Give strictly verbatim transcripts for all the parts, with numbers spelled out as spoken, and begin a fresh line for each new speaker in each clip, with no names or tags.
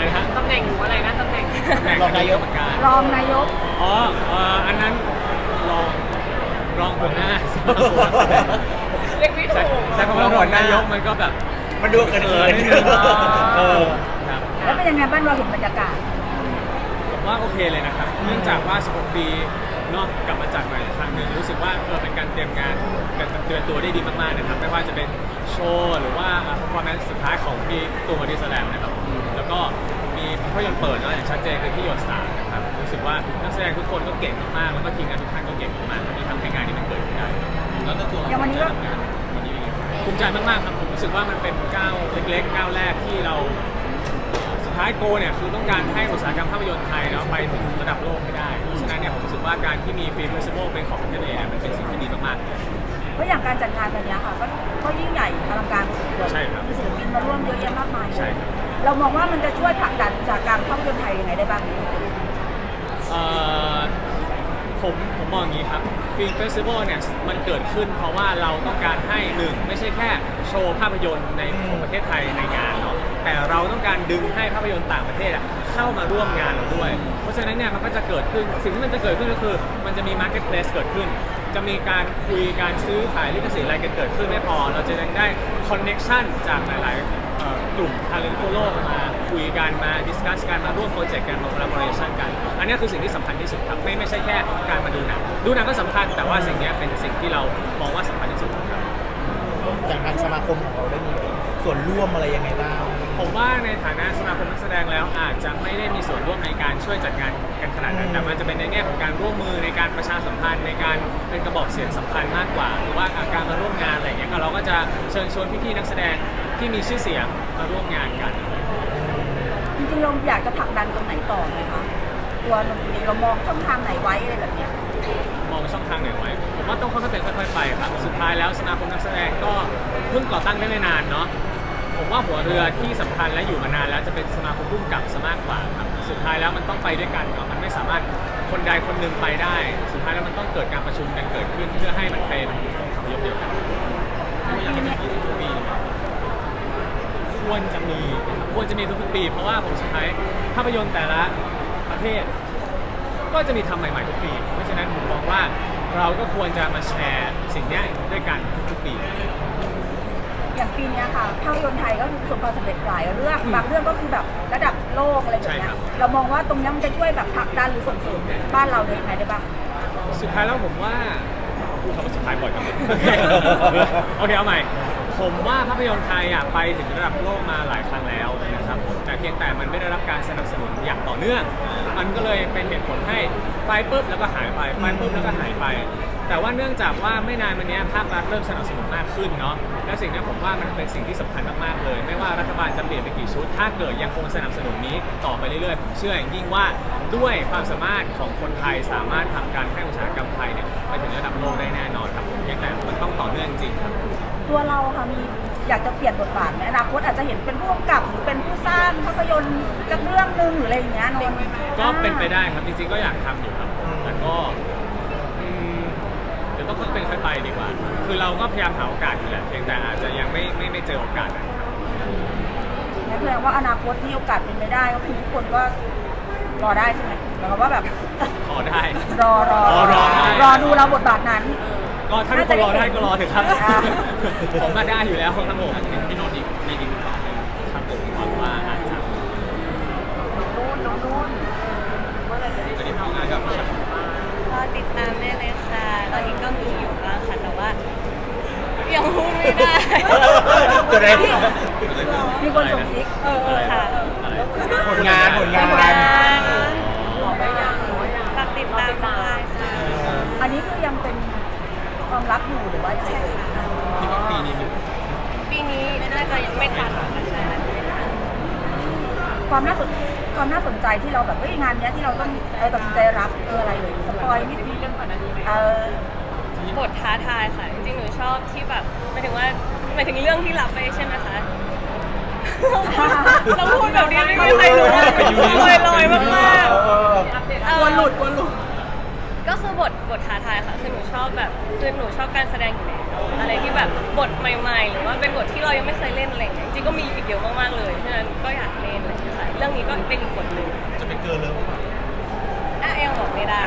นะฮะ
ตำแหน่งหนูอะไรนะตำแหน่ง
ตำแหน่งรองนายกเหมือนกัน
รองนายก
อ๋อเอ่ออันนั้นรองรองหัวหน้า
เรียกไม่ถูก
แต่คำว่ารองนายกมันก็แบบ
มันดูเกินเกิน
นิดนึง
เออ
ครับ
แล้วเป็นยังไงบ้างเราเห็นบรรยากาศ
ผมว่าโอเคเลยนะครับเนื่องจากว่าสิบหกปีเนาะกลับมาจัดใหม่อีกครั้งหนึ่งรู้สึกว่าเออเป็นการเตรียมงานการเตรียมตัวได้ดีมากๆนะครับไม่ว่าจะเป็นโชว์หรือว่า performance สุดท้ายของพี่ตูนบอดี้สแลมนะครับแล้วก็มีภาพยนตร์เปิดเนาะอย่างชัดเจนคือที่หยดสามนะครับรู้สึกว่านักแสดงทุกคนก็เก่งมากๆแล้วก็ทีมงานทุกท่านก็เก่งมากๆที่ทำให้งานนี้มันเกิดขึ้นได้แล้วก็ตัว
อย่างวันนี้ก็
วันนี้ภูมิใจมากๆครับผมรู้สึกว่ามันเป็นก้าวเล็กๆก้าวแรกที่เราสุดท้ายโกเนี่ยคือต้องการให้อุตสาหกรรมภาพยนตร์ไทยเนาะไปถึงระดับโลกให้ได้เพราะฉะนั้นเนี่ยผมรู้สึกว่าการที่มีฟิล์มเฟสติวัลเป็นของประเทศเองมันเป็นสิ่งที่ดีมากๆ
เพราะอย่างการจัดงานวันนี้ค่ะก็ก็ยิ่งใหญ่อลังการพอสมควร
ใช่ครับ
มีศิลปินมาร่วมเยอะแยะมากมาย
ใช่ครับ
เรามองว่ามันจะช่วยผลักดันอุตสาหกรรมภาพยนตร์ไทยยังไงได้บ้าง
เอ่อผมผมมองอย่างนี้ครับฟิล์มเฟสติวัลเนี่ยมันเกิดขึ้นเพราะว่าเราต้องการให้หนึ่งไม่ใช่แค่โชว์ภาพยนตร์ในของประเทศไทยในงานเนาะแต่เราต้องการดึงให้ภาพยนตร์ต่างประเทศอะเข้ามาร่วมงานเราด้วย เพราะฉะนั้นเนี่ยมันก็จะเกิดขึ้นสิ่งที่มันจะเกิดขึ้นก็คือมันจะมี marketplace เกิดขึ้น จะมีการคุยการซื้อขายลิขสิทธิ์อะไรกันเกิดขึ้นไม่พอ เราจะยังได้ connection จากหลายๆเอ่อกลุ่มทาเลนต์ทั่วโลกมาคุยกันมา discuss กันมาร่วมโปรเจกต์กันมา collaboration กัน อันนี้คือสิ่งที่สำคัญที่สุดครับไม่ไม่ใช่แค่การมาดูหนังดูหนังก็สำคัญแต่ว่าสิ่งนี้เป็นสิ่งที่เรามองว่าสำคัญที่สุดครับ
อย่างทางสมาคมของเราได้มีส่วนร่วมอะไรยังไงบ้าง
ผมว่าในฐานะสมาคมนักแสดงแล้วอาจจะไม่ได้มีส่วนร่วมในการช่วยจัดงานกันขนาดนั้นแต่มันจะเป็นในแง่ของการร่วมมือในการประชาสัมพันธ์ในการเป็นกระบอกเสียงสำคัญมากกว่าหรือว่าการมาร่วมงานอะไรอย่างเงี้ยเราก็จะเชิญชวนพี่ๆนักแสดงที่มีชื่อเสียงมาร่วมงานกัน
จริงๆเราอยากจะผลักดันตรงไหนต่อไหมคะตัวดนตรีเรามองช่องทางไหนไว้อะไรแบบเนี้ย
มองช่องทางไหนไว้ผมว่าต้องค่อยๆเป็นค่อยๆไปครับสุดท้ายแล้วสมาคมนักแสดงก็เพิ่งก่อตั้งได้ไม่นานเนาะผมว่าหัวเรือที่สำคัญและอยู่มานานแล้วจะเป็นสมาคมผู้กำกับซะมากกว่าครับสุดท้ายแล้วมันต้องไปด้วยกันเนาะมันไม่สามารถคนใดคนหนึ่งไปได้ สุดท้ายแล้วมันต้องเกิดการประชุมกันเกิดขึ้นเพื่อให้มันเป็นองค์คำยกเดียวกันควรจะมีควรจะมีทุกๆปีเพราะว่าผมสุดท้ายภาพยนตร์แต่ละประเทศก็จะมีทำใหม่ๆทุกปีเพราะฉะนั้นผมมองว่าเราก็ควรจะมาแชร์สิ่งนี้ด้วยกันทุกปี
อย่างปีนี้ค่ะภาพยนตร์ไทยก็ประสบความสำเร็จหลายเรื่องบางเรื่องก็คือแบบระดับโลกอะไรแบบเนี้ยเรามองว่าตรงนี้มันจะช่วยแบบผลักดันหรือส่งเสริมบ้านเราได้ยังไงได้บ้าง
สุดท้ายแล้วผมว่าพูดคำว่าสุดท้ายบ่อยจังเลยโอเคเอาใหม่ผมว่าภาพยนตร์ไทยอ่ะไปถึงระดับโลกมาหลายครั้งแล้วนะครับแต่เพียงแต่มันไม่ได้รับการสนับสนุนอย่างต่อเนื่องมันก็เลยเป็นเหตุผลให้ไปปุ๊บแล้วก็หายไปไปปุ๊บแล้วก็หายไปแต่ว่าเนื่องจากว่าไม่นานมานี้ภาครัฐเริ่มสนับสนุนมากขึ้นเนาะและสิ่งนี้ผมว่ามันเป็นสิ่งที่สำคัญมากๆเลยไม่ว่ารัฐบาลจะเปลี่ยนไปกี่ชุดถ้าเกิดยังคงสนับสนุนนี้ต่อไปเรื่อยๆผมเชื่ออย่างยิ่งว่าด้วยความสามารถของคนไทยสามารถผลักดันให้อุตสาหกรรมไทยเนี่ยไปถึงระดับโลกได้แน่นอนครับผมเพียงแต่มันต้องต่อเนื่องจริงครับ
ตัวเราค่ะมีอยากจะเปลี่ยนบทบาทไหมอนาคตอาจจะเห็นเป็นผู้กำกับหรือเป็นผู้สร้างภาพยนตร์จากเรื่องหนึงหรืออะไรอย่างเงี้ยนนท์
ก็เป็นไปได้ครับจริงๆก็อยากทำอยู่ครับแต่ก็อืมเดี๋ยวต้องค่อยเป็นค่อยไปดีกว่า คือเราก็พยายามหาโอกาสอยู่แหละเพียงแต่อาจจะยังไม่ไม่ไม่เจอโอกาสนะครับ
นั่นแสดงว่าอนาคตที่โอกาสเป็นไปได้ก็คือทุกคนก็รอได้ใช่ไหมหมายความว่าแบบ
ขอได้
รอรอ
อ๋อรอได้
รอดูเราบทบาทนั้น
ก็ถ้าทุกคนรอได้ก็รอเถอะครับ
อ่า
ผมมาได้อยู่แล้วครับผมพี่โนนท์อีกในอีกต่อหนึ่งครับผมหวังว่าอาจจะ
นู่นน้องนู่นเมื่อไหร่จะได้
จะได้ทำงานกับพี่ชัด
ก็ติดตามได้เลยค่ะ ตอนนี้ก็มีอยู่บ้างค่ะ แต่ว่ายังพูดไม่ได้
จะได้
มีคนส่งซิก
เออเออค่ะ
ผลงานผลงาน
บอกได้ยังหรือว่ายัง
ฝากติดตามได้ค่ะ
อันนี้คือยังเป็นความลับอยู่หรือว่ายังไง
คิดว่าปีนี้มี
ปีนี้น่าจะยังไม่ทันค่ะใช่ไม่ทัน
ความน่าสนความน่าสนใจที่เราแบบเฮ้ยงานเนี้ยที่เราต้องเออตัดสินใจรับเอออะไรเลยสปอยนิดนึง
เรื่องก่อนอันนี้ไหม
เออ
บทท้าทายค่ะ จริงๆ หนูชอบที่แบบหมายถึงว่าหมายถึงเรื่องที่รับไปใช่ไหมคะ เราพูดแบบนี้ไม่มีใครรู้ลอยลอยๆมากๆ
กลัวหลุดกลัวหลุด
ก็คือบทบทท้าทายค่ะ คือหนูชอบแบบคือหนูชอบการแสดงอยู่แล้วอะไรที่แบบบทใหม่ๆ หรือว่าเป็นบทที่เรายังไม่เคยเล่นอะไรอย่างเงี้ยจริงๆก็มีอีกเยอะมากๆเลยฉะนั้นก็อยากเล่นอะไรอย่างเงี้ยค่ะรื่องนี้ก็เป็นอีกบทหนึ่ง
จะเป็นเกินเลยหรือเปล่า
อ่ะเอลบอกไม่ได้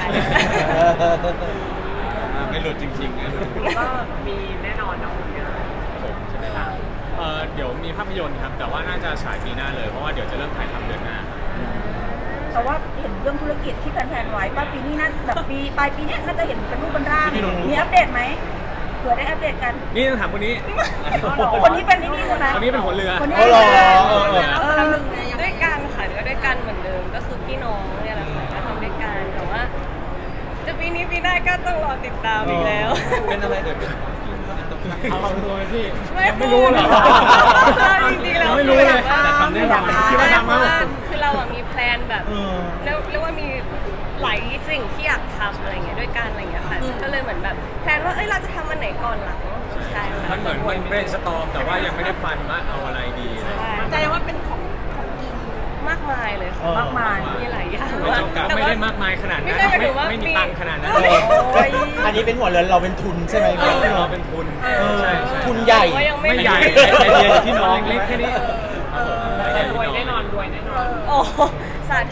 ไม่หลุดจริงๆนะ
ก็มีแน่นอนนะคุณเนี่ย
ผมใช่ไหมล่ะเออเดี๋ยวมีภาพยนตร์ครับ แต่ว่าน่าจะฉายปีหน้าเลย เพราะว่าเดี๋ยวจะเริ่มถ่ายทำเดือนหน้า
แต่ว่าเห็นเรื่องธุรกิจที่แพลนๆไว้ป้าปีนี้น่าแบบปีปลายปีเนี้ยน่าจะเห็นเป็นรูปเป็นร่าง มีอัปเดตไหมเผื่อได้อัปเดตกัน
นี่ต้องถามคนนี้
คนนี้เป็นนี่นี่ใช่ไหม
คนนี้เป็นหัวเรือ
คนนี้
อ๋
เป็น
อเหรอ
หัวเรือ
เออ
เออ
ด้วยกันค่ะก็ด้วยกันเหมือนเดิมก็คือพี่น้องเนี่ยแหละค่ะก็ทำด้วยกันแต่ว่า จะปีนี้ปีหน้าก็ต้องรอติดตามอีกแล้ว
เป็นอะไรเดี๋ยวเอาตัวพี่
ไม่
ไม่รู้เหรอ
จริงๆแล้ว
ไม่รู้เลย
คือ
แต่
แบบ
ทำแน่นอน
ว่า
คิดว่าทำ
เพ
มั้
ราะ
ง
ว่าคือเราอะมีแพลนแบบ
เออ
แล้วเรียกว่ามีหลายสิ่งที่อยากทำอะไรเงี้ยด้วยกันอะไรเงี้ยค่ะซึ่งก็เลยเหมือนแบบแพลนว่าเอ้ยเราจะทำอันไหนก่อนหลังใช่ค่ะ
มันเหมือนมันเป็นสตอมแต่ว่ายังไม่ได้ฟันว่าเอาอะไรดี
ใช่
ใจว่าเป็นของของกิน
มากมายเลย
เอ
ค่ะ
อ
มากมาย
มีหลายอย่าง
ไม่จำกัด
แต่
ไม่
ว่า
ได้มากมายขนาดนั้น
ไม่ใช่หมายถึงว่า
ไม่มี
มี
ตังค์ขนาดนั้น
เออ
โอ้ย
อันนี้เป็นหัวเรือนเราเป็นทุนใช่ไหม
เออเราเป็นทุน
เออ
ใช่ใช่
ทุนใหญ่
ว่ายังไม่
ไม่ใหญ่
มี
ไอเดียอยู่ที่น้องเล็กๆแค่นี้
แต่รวยแน่นอนรวยแน่นอน
โอ้สาธุ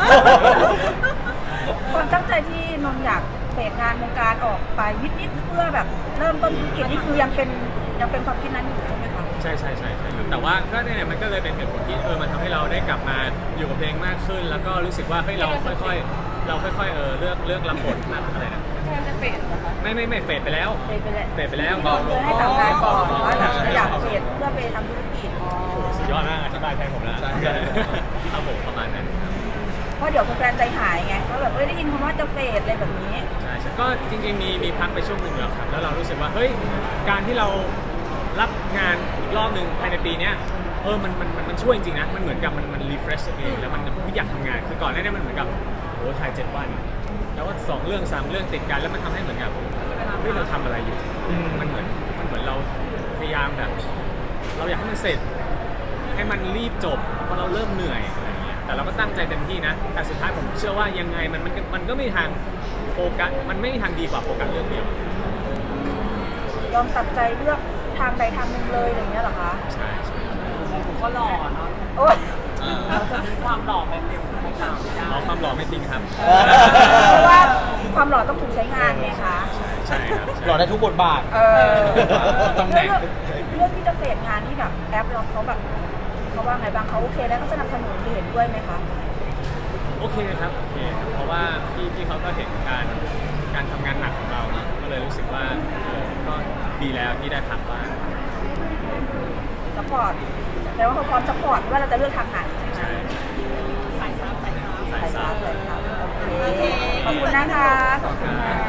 ความตั้งใจที่นนท์อยากเฟดงานวงการออกไปนิดๆเพื่อแบบเริ่มต้นธุรกิจนี่คือยังเป็นยังเป็นความคิดนั้นอยู่ใช่ไหมคะ
ใช่ใช่ใช่ใช่ครับแต่ว่าก็เนี่ยมันก็เลยเป็นเหตุผลที่เออมันทำให้เราได้กลับมาอยู่กับเพลงมากขึ้น แล้วก็รู้สึกว่าเฮ้ยเราค่อยๆ เราค่อยๆเออเลือกเลือกรับบทมากอะไรนะ
มันจะเป็นเหรอคะ
ไม่ไม่ไม่เฟดไปแล้ว
เฟดไปแล้ว
เฟดไปแล้ว
ที่นนท์เคยให้ทำงานก่อนว่าเราอยากเฟดเพื่อไปทำธุรกิจ
สุดยอดมากอธิบายแทนผมแล้วครับผมประมาณนั้นครับ
เพราะเดี๋ยวแฟนๆใจหายไงว่าแบบเอ้ยได้ยินคำว่าจะเฟดอะไรแบบนี้
ใช่ใช่ก็จริงๆมีมีพักไปช่วงหนึ่งแล้วครับแล้วเรารู้สึกว่าเฮ้ยการที่เรารับงานอีกรอบหนึ่งภายในปีเนี้ยเออมันมันมันมันช่วยจริงๆนะมันเหมือนกับมันมันรีเฟรชตัวเองแล้วมันไม่อยากทำงานคือก่อนหน้านี้มันเหมือนกับโอ้ถ่ายเจ็ดวัน แล้วก็สองเรื่องสามเรื่องติดกันแล้วมันทำให้เหมือนกับเฮ้ยเราทำอะไรอยู่
อืม
มันเหมือนมันเหมือนเราพยายามแบบ เราอยากให้มันเสร็จ ให้มันรีบจบเพราะเราเริ่มเหนื่อยอะไรอย่างเงี้ยแต่เราก็ตั้งใจเต็มที่นะ แต่สุดท้ายผมเชื่อว่ายังไงมันมันมันก็ไม่มีทางโฟกัสมันไม่มีทางดีกว่าโฟกัสเรื่องเดียว
ยอมตัดใจเลือกทางใดทางหนึ่งเลยอย่างเงี้ยเหรอคะ
ใช่ใช่
ผมก็หล่อเนาะ
โอ๊ย
เราจะมีความหล่อแบบเดียวกับพวกเราไม่ได้
เอาความหล่อไม่ทิ้งครับ
เออ
เพราะว่าความหล่อต้องถูกใช้งานไงคะ
ใช่ครับใช่
หล่อได้ทุกบทบาท
เออ
ตำแหน่ง
เรื่องเรื่องที่จะเฟดงานที่แบบแอปเราเขาแบบเขาว่าไงบ้างเขาโอเคแล้วเขาสนับสนุนเห็นด้วยไหมคะ
โอเคครับโอเคครับเพราะว่าพี่พี่เขาก็เห็นการการทำงานหนักของเราเนอะก็เลยรู้สึกว่าเออก็ดีแล้วที่ได้พักบ้าง
สปอร์ตแปลว่าเขาพร้อมสปอร์ตว่าเราจะเลือกทางไหนใช่ไหม
ใช่
สายซับสายซับ
สาย
สาย
สา
ฟ้าว เลยครับโอเคขอบคุณนะคะขอบคุณค่ะ